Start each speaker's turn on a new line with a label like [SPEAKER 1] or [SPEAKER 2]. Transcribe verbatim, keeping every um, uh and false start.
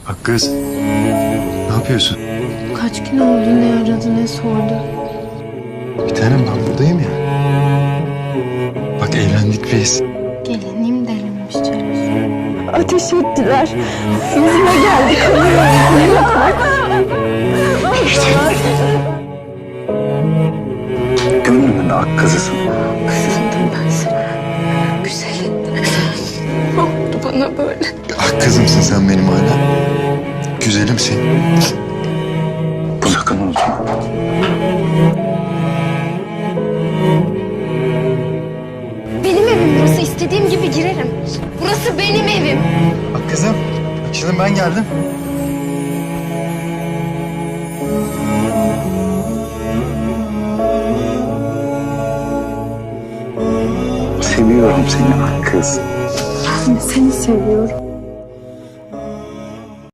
[SPEAKER 1] Bak kız, ne yapıyorsun?
[SPEAKER 2] Kaç gün oldu, ne aradı ne sordu.
[SPEAKER 1] Bir tanem ben buradayım ya. Bak evlendik biz.
[SPEAKER 2] Gelinliğim delinmiş Celal.
[SPEAKER 3] Ateş ettiler. Yüzüme geldi
[SPEAKER 4] Gönlümün ak kızısın.
[SPEAKER 2] Kızındım ben sana. Güzelim. Ne oldu bana böyle?
[SPEAKER 1] Ah kızımsın sen benim hala. Güzelimsin.
[SPEAKER 4] Bu sakın unutma.
[SPEAKER 2] Benim evim burası. İstediğim gibi girerim. Burası benim evim.
[SPEAKER 1] Bak kızım, bak şimdi ben geldim.
[SPEAKER 4] Seviyorum seni ak kız.
[SPEAKER 3] Ben de seni seviyorum.